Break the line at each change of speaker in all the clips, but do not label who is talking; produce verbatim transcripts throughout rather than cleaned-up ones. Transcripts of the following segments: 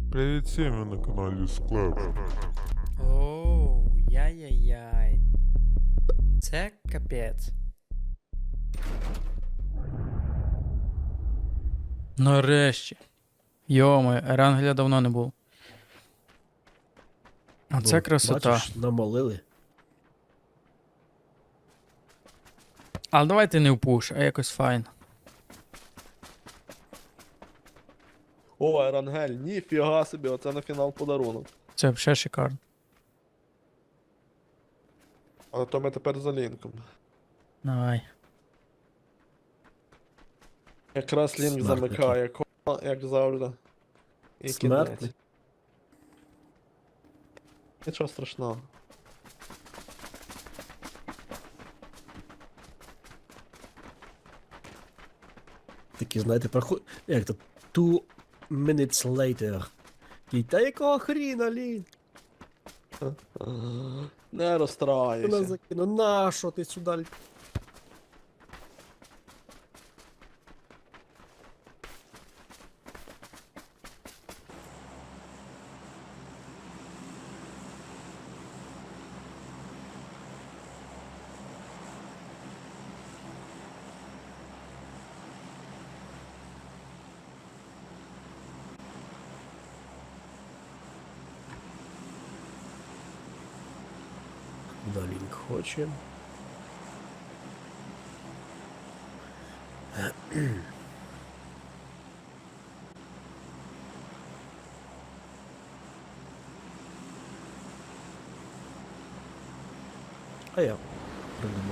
Привіт всім, ви на каналі Склеп.
Оу, яй-яй-яй. Це капець. Нарешті. Йоми, Ерангеля давно не був. Оце
Ну,
красота.
Бачиш, намолили.
Але давайте не в пуш, а якось файн.
О, Ерангель, ніфіга собі, оце на фінал подарунок.
Це взагалі шикарно.
Але то ми тепер за лінком.
Давай.
Якраз лінк
Смертники.
замикає, кома, як завжди. І
Смертний.
кінець. Нічого страшного.
Такі, знаєте, проход... Як то? Two minutes later. І та якого хріна, Лін?
Не
Вона
розстраюйся.
закину. На що ти сюди? Куда Лінк хоче? А я придумав.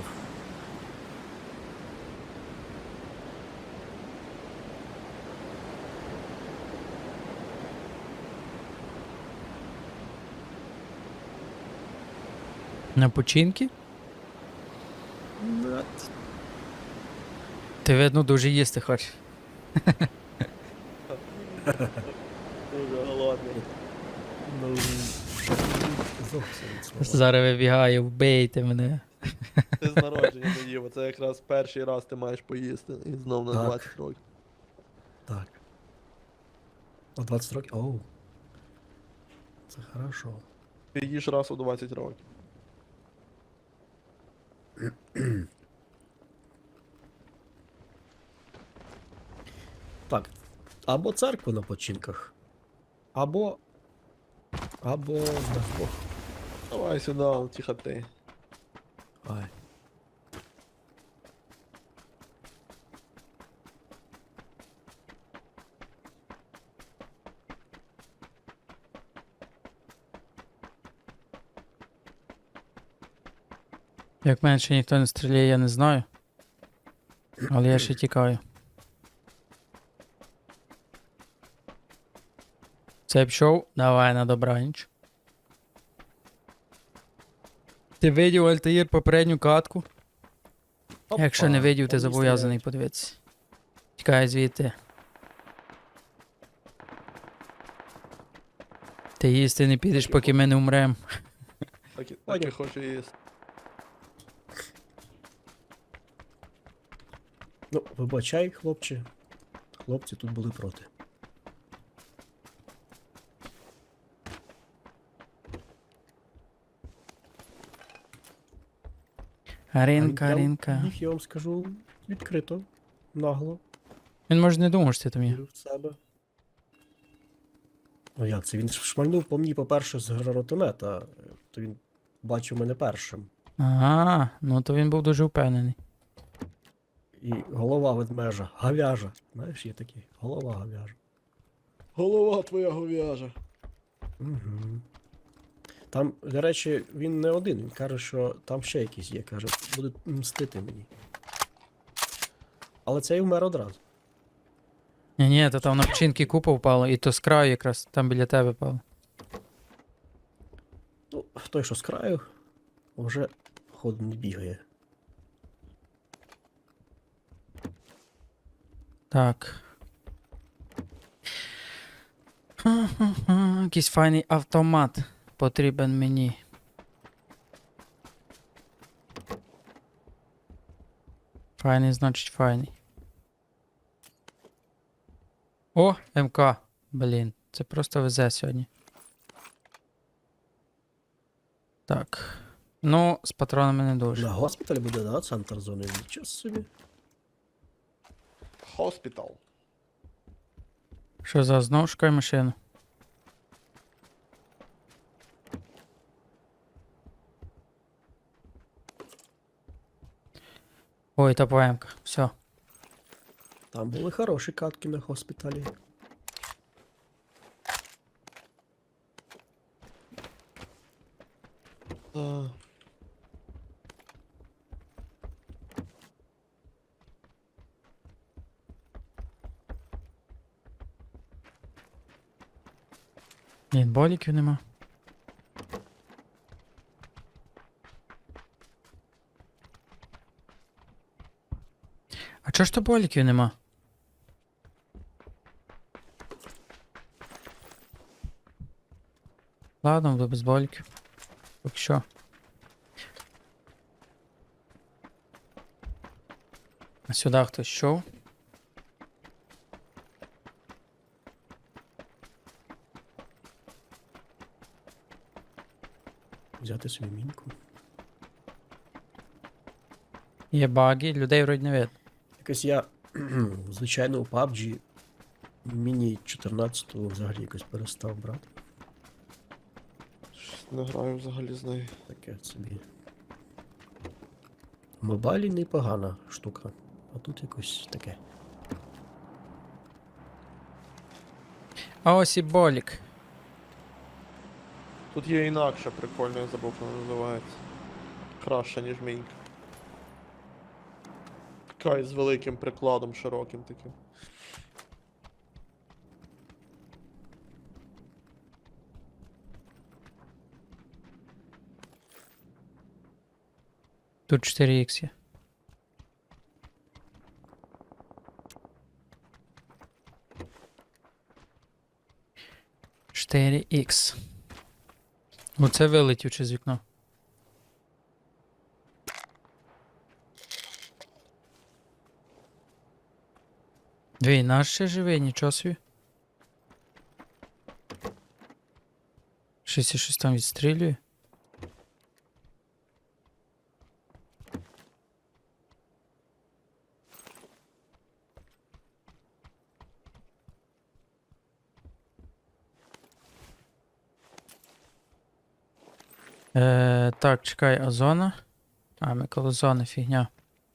На починки?
Нет.
Ти, видно, дуже їсти хочеш.
Дуже голодний.
Ну, зовсім від слова.
Зараз вибігаю, вбийте мене.
Ти з народження не їв, це якраз перший раз ти маєш поїсти. І знов на
Так.
двадцять років.
Так. О, двадцять років? Оу. Це хорошо.
Ти їш раз у двадцять років.
Так. Або церква на починках. Або. Або на Бог.
Давай сюди, тихо ти.
Ай.
Як менше ніхто не стріляє, я не знаю. Але я ще тікаю. Це пішов? Давай на добраніч. Ти видів, Альтаїр, попередню катку? Якщо не
Опа,
видів, ти
вони
зобов'язаний подивитися. Тікай звідти. Ти їсти не підеш, поки ми не умрем.
Так, і- так і
Поняв.
хочу їсти.
Ну, вибачай, хлопче. Хлопці тут були проти.
Ринка,
А він
ринка.
прям їх, я вам скажу, відкрито, нагло,
Він може не думав, що ти там є.
вірив в себе. Ну як це? Він шмальнув по мені, по-перше, з гранатомета, то він бачив мене першим.
Ага, ну то він був дуже впевнений.
І голова ведмежа, гавяжа. Знаєш, є такі. Голова гавяжа.
Голова твоя говяжа.
Угу. Там, до речі, він не один. Він каже, що там ще якісь є. Каже, буде мстити мені. Але цей вмер одразу.
Ні, ні, то там на починки купа впало, і то з краю якраз там біля тебе впало.
Ну, той, що з краю, вже ходу не бігає.
Так. Ха-ха-ха, якийсь файний автомат потрібен мені. Файний, значить файний. О, МК. Блін, Це просто везе сьогодні. Так. Ну, з патронами не дуже.
На госпіталі буде, да, центр зони. Нічого собі.
Хоспітал.
Що за знову шукай машину? Ой, та поемка. Все.
Там були хороші катки на госпіталі.
А,
Ні, боліків нема. А чого ж то боліків нема? Ладно, буду без боліків. Поки що. А сюди хтось йшов.
Взяти собі мінку.
Є баги, людей вроді не видно.
Якось я, звичайно, у пабджі міні чотирнадцятого взагалі якось перестав брати.
щось не граю взагалі з нею.
Таке собі. В мобайлі непогана штука, а тут якось таке.
А ось і болік.
Тут є інакше прикольно, я забув, як вона називається. Краще, ніж мінька. Така з великим прикладом, широким таким.
Тут чотири ікс є. чотири ікс. Оце вилетів через вікно. Двій, наш ще живий, нічого собі. Щось і щось там відстрілює. Е, так, чекай, а зона? А, ми коло зони, фігня.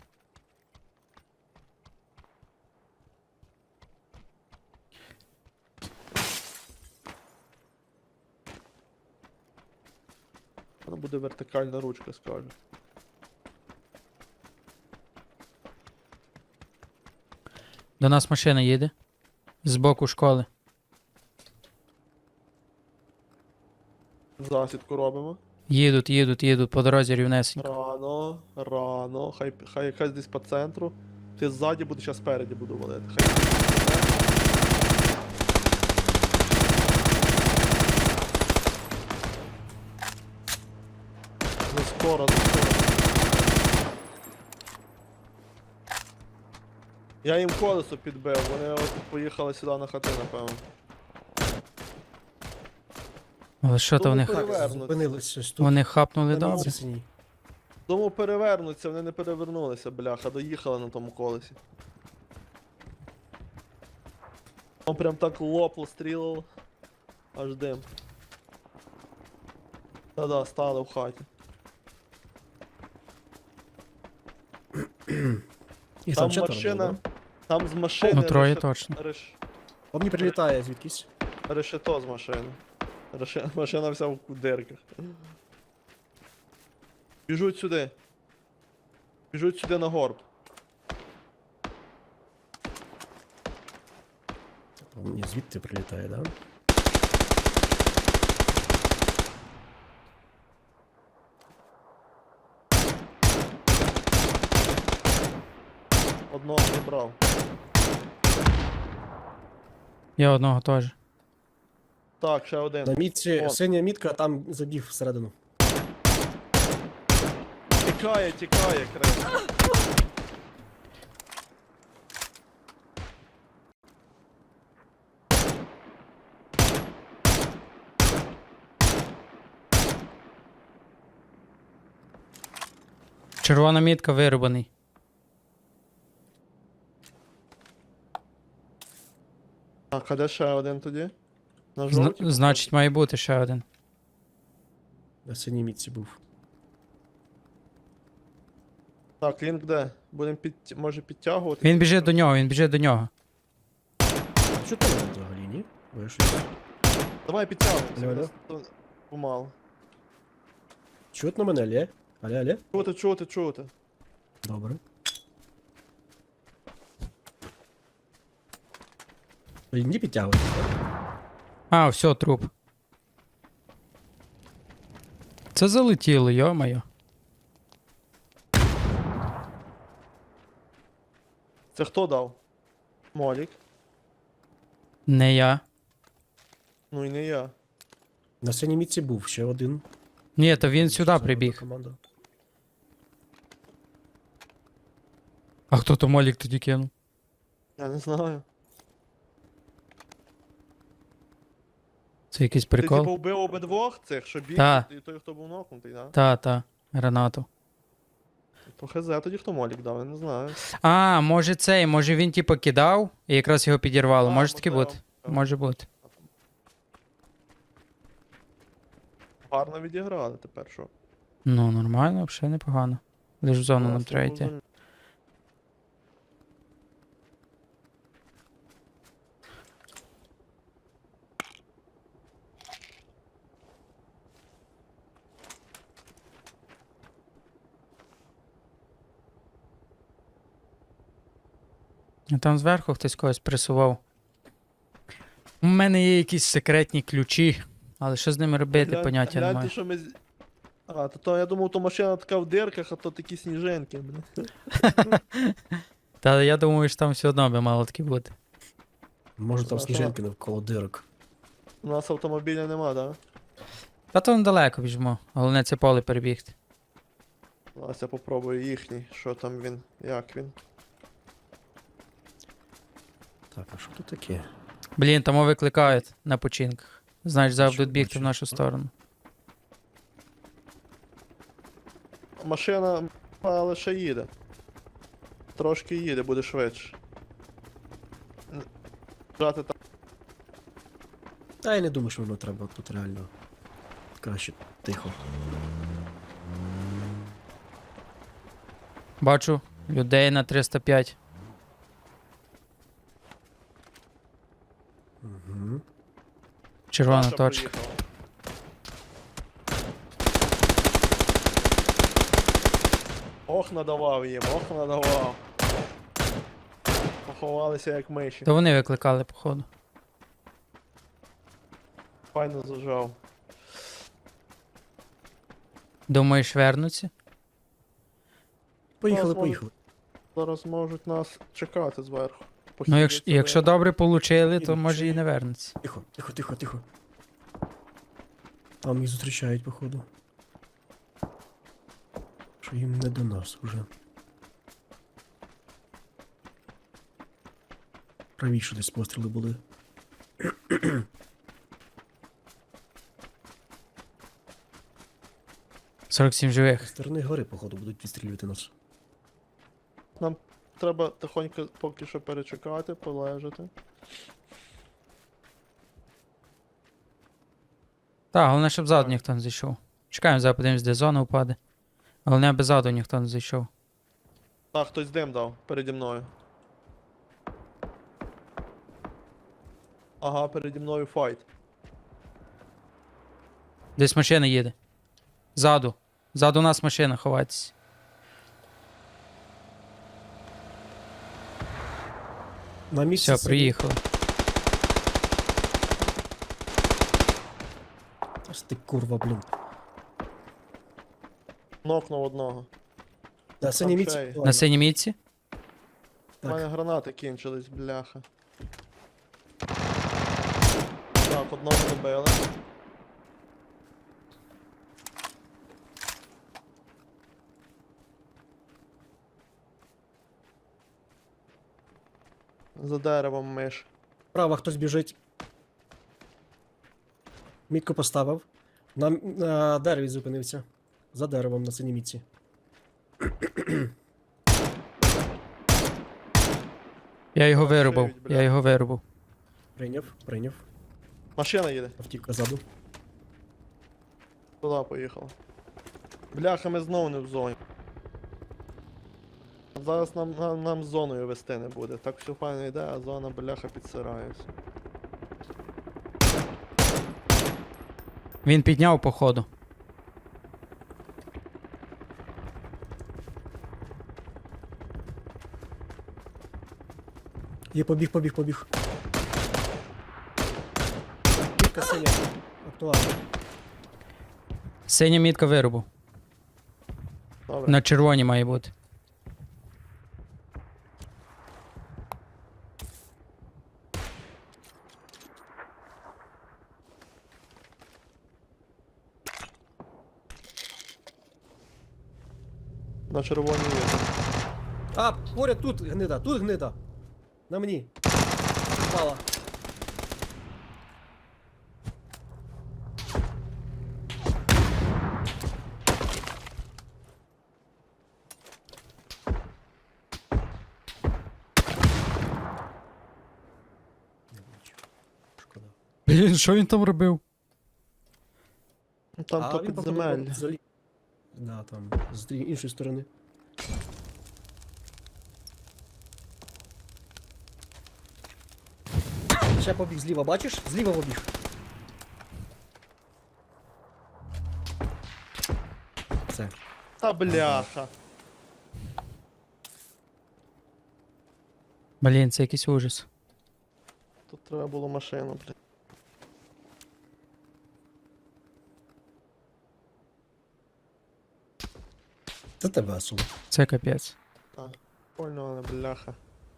Вона буде вертикальна ручка, скажу.
До нас машина їде. З боку школи.
Засідку робимо.
Їдуть, їдуть, їдуть по дорозі рівнесенько.
Рано, рано. Хай, хай якась десь по центру. Ти ззаді буду, зараз спереді буду валити. Хай. Не скоро, не скоро. Я їм колесо підбив, вони от поїхали сюди на хати, напевно.
Але що то
Тому
вони,
пере-
ха-
Перевернуться.
Зупинилися ось тут.
вони хапнули
на
добре?
місці синій.
Тому перевернуться, вони не перевернулися, бляха, доїхали на тому колесі. Он прям так лопло стрілило. Аж дим. Та-да, стали в хаті.
Їх
Там
четверо
машина.
було, да?
Там з машини.
Ну, троє
решет-
точно.
реш-
По мені прилітає звідкись.
Решето з машини. Реше- Машина вся в дирках. Біжуть сюди. Біжуть сюди на горб.
По мені звідти прилітає, да?
Одного не брав.
Я одного теж.
Так, ще один.
На мітці
О.
синя мітка, а там забіг всередину.
Тікає, тікає, крес.
Червона мітка вирубаний.
Так, а де ще один тоді? На
Зна-
жовтій?
значить, має бути ще один.
На синій мітці був.
Так, лінк де? Будемо під... може підтягувати?
Він біжить до нього, він біжить до нього.
А що ти робиш взагалі, ні? Бо я щось...
Давай підтягуємося.
Давай,
нас тут помало.
Чутно мене, Лє? Але, але?
Чути, чути, чути.
Добре. Не підтягуйте.
А, все, труп. Це залетіло, йо-моє.
Це хто дав? Молік.
Не я.
Ну і не я.
На синій мітці був ще один.
Ні, то він
Ще
сюди
одна
прибіг.
команда.
А хто то молік тоді кинув?
Я не знаю.
Це якийсь
Ти типу
прикол?
вбив обидвох цих, що біг,
Та.
і той, хто був нокнутий, да?
Та, та, гранату.
То хз, тоді хто молік дав, я не знаю.
А, може цей, може він типу кидав і якраз його підірвало.
А,
Може таки
можливо.
бути? Може бути.
Гарно відіграли тепер, що?
Ну, нормально, взагалі непогано. Лиш в зону нам
Класно
треба
було
йти.
за-
А там зверху хтось когось пресував. У мене є якісь секретні ключі, але що з ними робити,
Глянь-
поняття
гляньте,
немає.
що ми... з- А, то, то я думав, то машина така в дирках, а то такі сніжинки, блін.
Та я думаю, що там все одно би мало таки бути.
Може там
Ага.
сніжинки навколо дирок.
У нас автомобіля нема, да?
Та то недалеко біжмо. Головне це поле перебігти.
Зараз я попробую їхній, що там він, як він.
Так, а що тут таке?
Блін, там викликають на починках. Знаєш, завжди
Що
будуть бігти в
бачиш?
нашу сторону.
Машина, але ще їде. Трошки їде, буде швидше. Н- Жати там.
Та я не думаю, що воно треба тут реально. Краще тихо.
Бачу людей на триста п'ять.
Угу.
Червона
Наша
точка.
проїхала. Ох, надавав їм, ох, надавав. Поховалися як миші.
То вони викликали, походу.
Файно зажав.
Думаєш, вернуться?
Поїхали,
Зараз
поїхали.
Зараз можуть нас чекати зверху.
Ну, якщо,
Похилиться
якщо
ви-
добре получили, то
Їдуть,
може
чи
і
ні?
не вернуться.
Тихо, тихо, тихо, тихо. Там їх зустрічають, походу. Що їм не до нас уже. Правіше десь постріли були.
сорок сім
З
живих.
сторони гори, походу, будуть відстрілювати нас.
Нам треба тихонько поки що перечекати, полежати.
Так, головне, щоб ззаду
Так.
ніхто не зайшов. Чекаємо, зараз подивимось, де зона впаде. Головне, аби ззаду ніхто не зайшов.
Так, хтось дим дав переді мною. Ага, переді мною файт.
Десь машина їде. Ззаду. Ззаду нас машина, ховайтесь.
На місці.
Все, приїхали.
Аж ти курва, блін.
Нокнув одного.
На синій місці.
ще є.
На синій мітці?
У
Так.
мене гранати кінчились, бляха. Так, одного добили. За деревом миш.
Справа хтось біжить. Мітку поставив. На, на дереві зупинився. За деревом на синій мітці.
Я його
Вона
вирубав,
шиють, бля.
я його вирубав.
Прийняв, прийняв.
Машина їде.
Автівка ззаду.
Туди поїхала. Бляха, ми знову не в зоні. Зараз нам, нам, нам з зоною вести не буде. Так все файно йде, а зона бляха підсирається.
Він підняв походу.
Є, побіг, побіг, побіг. Кілька синя. Актуально.
Синя мітка вирубав.
Добре.
На червоній має бути.
На червоній є.
А, поряд тут гнида, тут гнида. На мені. Впала. Не бачу. Шкода.
Блін, що він там робив?
Ну, Там
А,
то
він походу
підземелля.
залі- Да, там, з дрі- іншої сторони. Ще побіг зліва, бачиш? Зліва побіг. Все.
Та бляха.
Блін, це якийсь ужас.
Тут треба було машину, блядь.
Це тебе весело.
Це капець.
Польно, але бляха.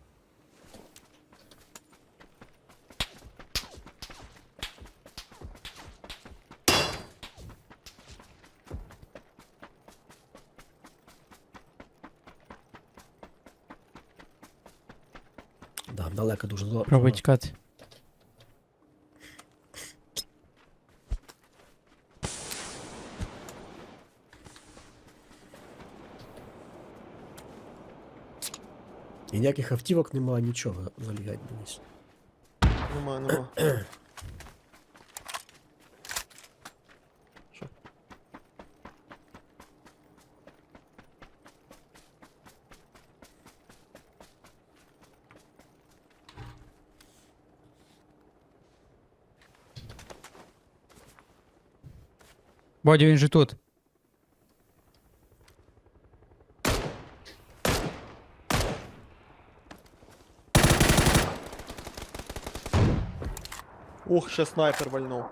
Да, далеко дуже. зо-
Пробуй
зона.
тікати.
І ніяких автівок немає, нічого залігать десь.
Нема, нема. Що?
Бодя, він же тут.
Ух, ще снайпер вальнув.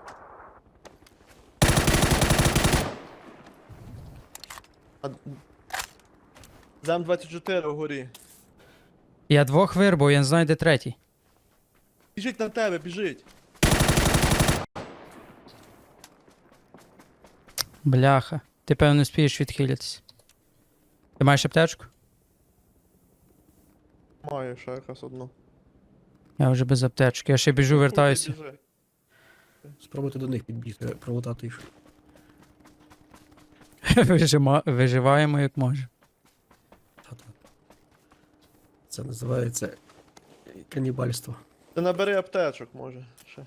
А... Зем двадцять чотири вгорі.
Я двох вирубав, я не знаю, де третій.
Біжить на тебе, біжить.
Бляха. Ти певно не спієш відхилятись. Ти маєш аптечку?
Маю ще якась одну.
Я вже без аптечки. Я ще біжу, вертаюся.
Біжи.
Спробуйте до них підбігти, пролутати їх.
Вижима... Виживаємо як може.
Та-та. Це називається канібальство.
Ти набери аптечок, може, ще.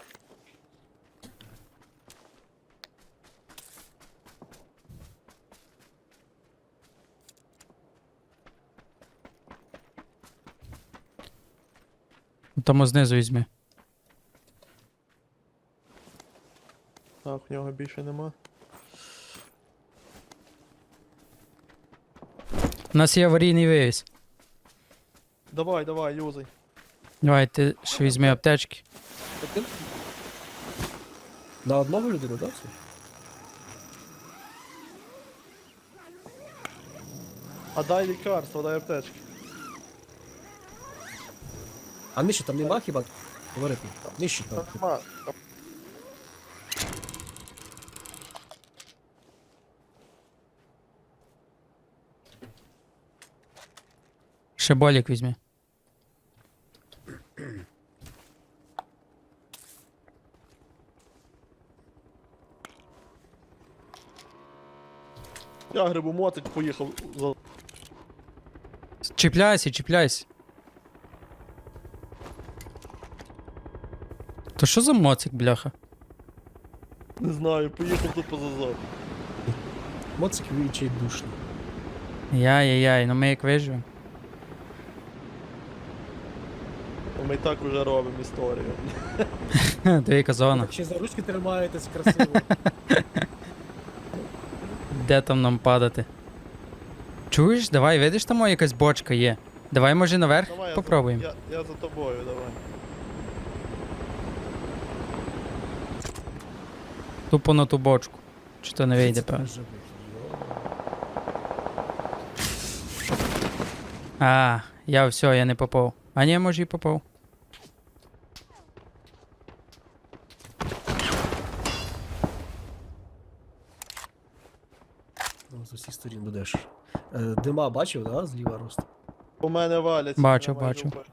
Тому знизу візьми.
Так, в нього більше нема.
У нас є аварійний вивіз.
Давай, давай, юзай.
Давай, ти ще візьми аптечки.
Ти- На одного людину, так? Це?
А дай лікарство, дай аптечки.
А нижче там нема хіба? Говорити. Нижче
Та
там.
нема. Та-
Ще болік візьми.
Я грибу мотить, поїхав за
Чіпляйся, чіпляйся. То що за моцик, бляха?
Не знаю, поїхав тут поза зону.
Моцик відчай душно.
Яй-яй-яй, ну ми як виживемо.
Ми і так уже робимо історію.
Двійка зона.
Так ще за ручки тримаєтесь красиво.
Де там нам падати? Чуєш? Давай, видиш, там о, якась бочка є. Давай, може, наверх
Давай, я
попробуємо.
За, я, я за тобою, давай.
Тупо на ту бочку. Чи то не вийде,
Це
певно.
живих, йо.
А, я все, я не попав. А ні, може і попав.
Ну, з усіх сторін будеш. Е, Дима бачив, да? Зліва рост.
У мене валяться.
Бачу,
я майже
бачу.
вбив.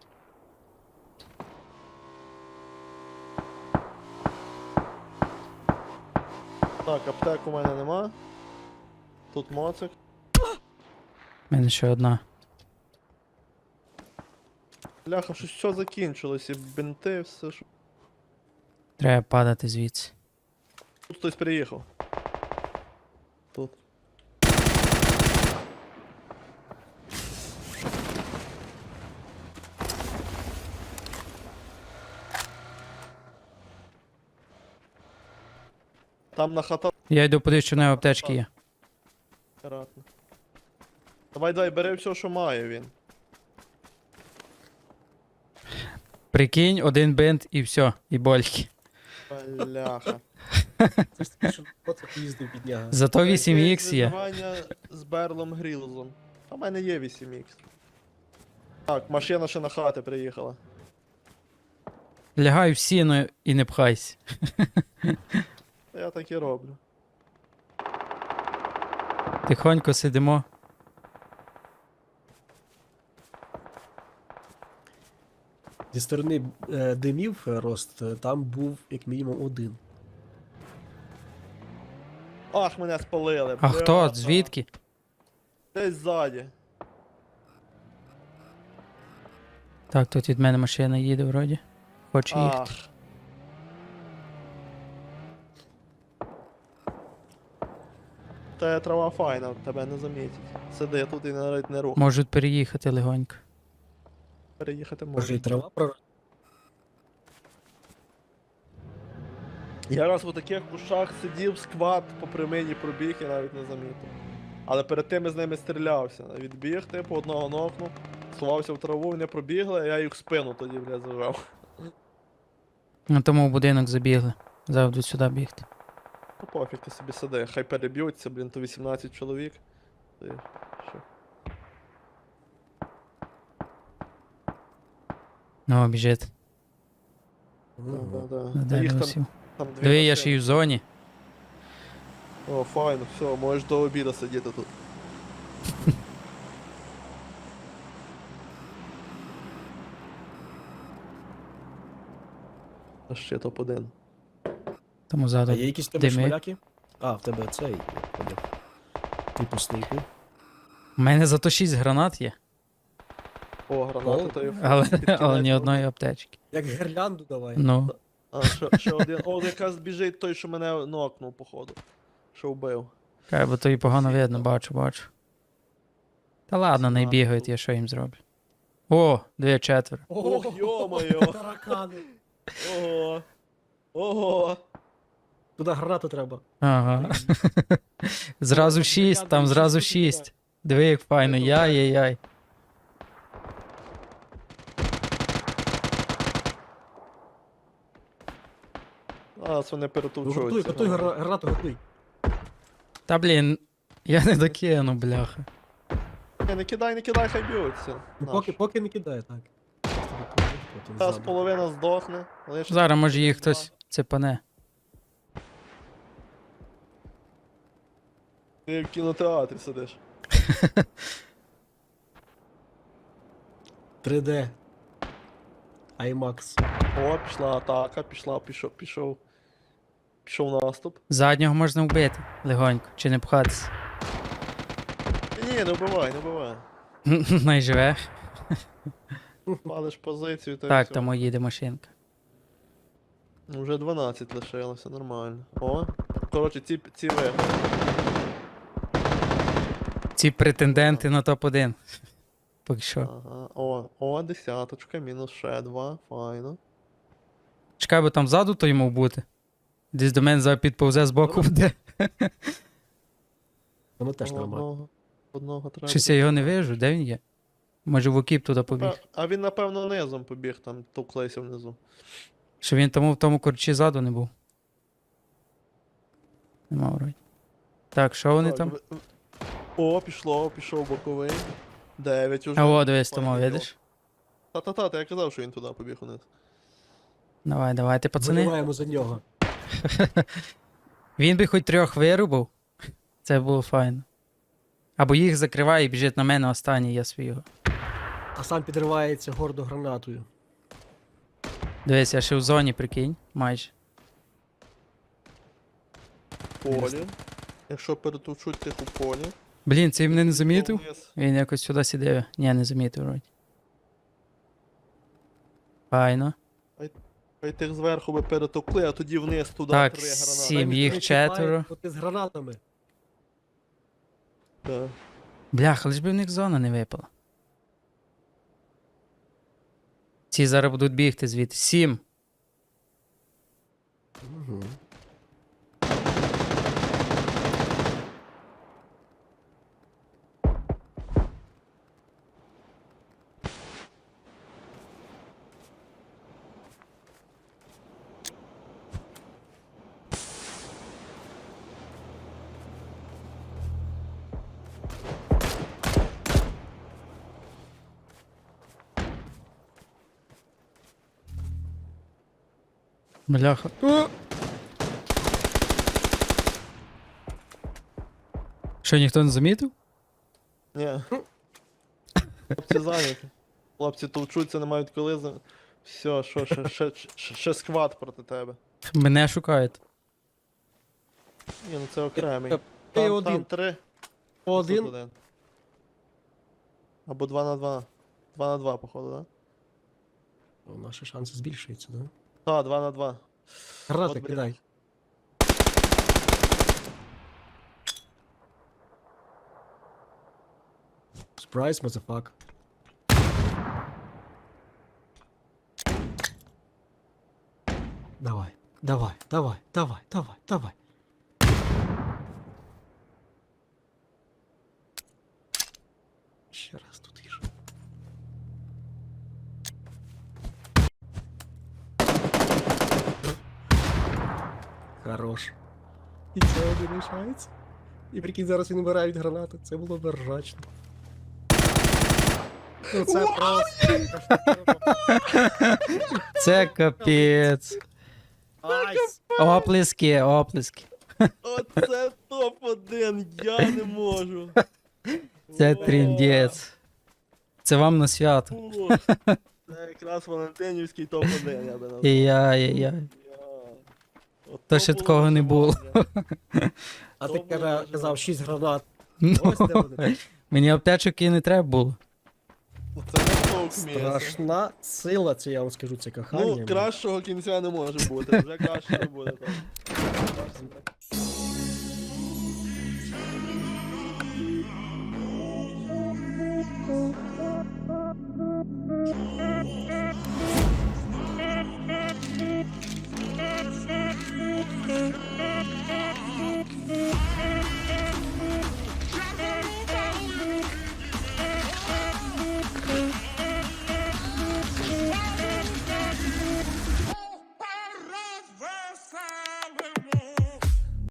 Так, аптек у мене нема. Тут моцик.
У мене ще одна.
Бляха, щось все закінчилось, і бинти, все що.
Треба падати звідси.
Тут хтось приїхав. Тут. Там на хата
Я йду подивись, що в нього аптечки є.
акуратно. Давай, давай, бери все, що має він.
Прикинь, один бинт і все, і больки.
Бляха.
Це ж таки, що Моцик їздив підняга.
Зато вісім ікс є.
Виживання з Берлом Грілзом. А в мене є вісім ікс. Так, машина ще на хати приїхала.
Лягай в сіно і не пхайся.
Та я так і роблю.
Тихонько сидимо.
Зі сторони е, димів е, рост, е, там був як мінімум один.
Ах, мене спалили.
А хто?
бляха.
Звідки?
Десь ззаді.
Так, тут від мене машина їде вроді. Хоче їхати.
Ах. Та трава файна, тебе не замітять. Сиди тут і навіть не рух.
Можуть переїхати легонько.
Переїхати
Може і
можна.
трава проросла?
Я раз у таких кущах сидів, сквад по прямині пробіг і навіть не замітив. Але перед тим я з ними стрілявся. Відбіг, типу, одного нокнув, сховався в траву, вони пробігли, а я їх в спину тоді, бля, зажав.
На тому в будинок забігли. Завжди сюди бігти.
Ну пофіг, ти собі сиди, хай переб'ються, блін, то вісімнадцять чоловік. Ти що?
Ну, біжить.
Мгм.
Да-да-да.
На
Та їх
дерево
там,
сів.
там дві
Диви, я
машини.
ще й в зоні.
О, файно, все, можеш до обіду сидіти тут. А ще топ один.
Тому
А
ззаду.
є якісь в тебе
Дими.
шмаляки? А, в тебе цей. я поняв. Типу снайпи.
У мене зато шість гранат є,
О, гранати то є.
але,
під кінець
але ні
було.
одної аптечки.
Як гірлянду давай.
Ну,
А, ще, ще один. О, якраз біжить той, що мене нокнув, походу. Що вбив.
кай, бо то і погано
Всі
видно,
там.
бачу, бачу. Та ладно, не
Знаю.
бігають, я що їм зроблю. О, дві четверо.
Ох, йо-моє.
Таракани.
Ого. Ого.
Туди гранату треба.
Ага. Зразу шість, там зразу шість. Диви, як файно, яй-яй-яй.
А, це вони
Ну,
перетовчуються.
готуй, готуй гра- гранату, готуй.
Та блін, я не докину, бляха.
Ні, не кидай, не кидай, хай б'ються.
Ну,
Наш.
поки, поки не кидає, так. Потім
Зараз
ззаду.
половина здохне. але ще
Зараз може їх
два.
хтось цепане.
Ти в кінотеатрі сидиш.
три де. IMAX.
О, пішла атака, пішла, пішов, пішов. Пішов наступ.
Заднього можна вбити легонько, чи не пхатися.
Ні, не вбивай, не вбивай.
Найживе.
Палиш позицію, та й
Так,
всьо.
там їде машинка.
Ну, вже дванадцять лишилося, нормально. О, коротше, ці, ці виграли.
Ці претенденти на топ один. Поки що.
Ага. О, о, десяточка, мінус ще два, файно.
Чекай, бо там ззаду той мав бути. Десь до мене зараз підповзе з боку буде.
Воно теж
О,
нормально.
Одного, одного треба.
Щось я його не вижу, де він є? Може в окіп туди побіг.
А, а він, напевно, низом побіг, там товклився внизу.
Що він тому в тому корчі ззаду не був. Нема вроді. Так, що вони
Так,
там?
ви- ви- О, пішло, пішов боковий. Дев'ять уже.
А о, дивись, тому,
Файно.
видиш?
Та-та-та, та я казав, що він туди побіг униз.
Давай, давайте, пацани.
Вбиваємо за нього.
Він би хоч трьох вирубав. Це було файно. Або їх закриває і біжить на мене останній, я свого.
А сам підривається гордо гранатою.
Дивись, я ще в зоні, прикинь, майже.
Полі. Якщо перетовчуть тих у полі.
Блін, цей мене не замітив?
Вниз.
Він якось сюди сидів. Ні, не замітив вроді. Файно.
Хай тих зверху би перетовкли, а тоді вниз туди
Так,
три гранати.
сім.
Дай
їх
ніхто не чіпає,
четверо.
бо ти з гранатами.
Так.
Бляха, лиш би в них зона не випала. Ці зараз будуть бігти звідти. Сім.
Угу.
Бляха. О! Що, ніхто не замітив?
Ні. Хлопці зайняті. Хлопці товчуться, не мають коли за. Все, що, ще, ще, ще, ще сквад проти тебе.
Мене шукають.
Ні, ну це окремий.
Ти
Там,
один.
там три.
Один.
тут один. Або два на два. Два на два, походу, так?
О, наші шанси збільшуються, да?
Так, два на два.
Гранати
От, блін.
кидай. Surprise, motherfucker. Давай, давай, давай, давай, давай, давай. Ще раз тут їж. Хорош. І це один лишається. І прикинь, зараз він вмирає від гранати. Це було б ржачно. Ну це просто.
Це капець.
Айс!
Оплески, оплески.
Оце топ один, я не можу.
Це
О,
тріндець. Це вам на свято.
о. Це якраз Валентинівський топ один, я би назвав.
Яй-яй-яй.
Я. От
То
то
ще такого не було.
враження.
А ти
То
казав,
було
казав шість гранат.
Ну,
Ось де вони.
мені аптечок і не треба було.
Це не толк місце.
Страшна сила, це я вам скажу, це кохання.
Ну, кращого кінця не може бути, вже краще не буде там.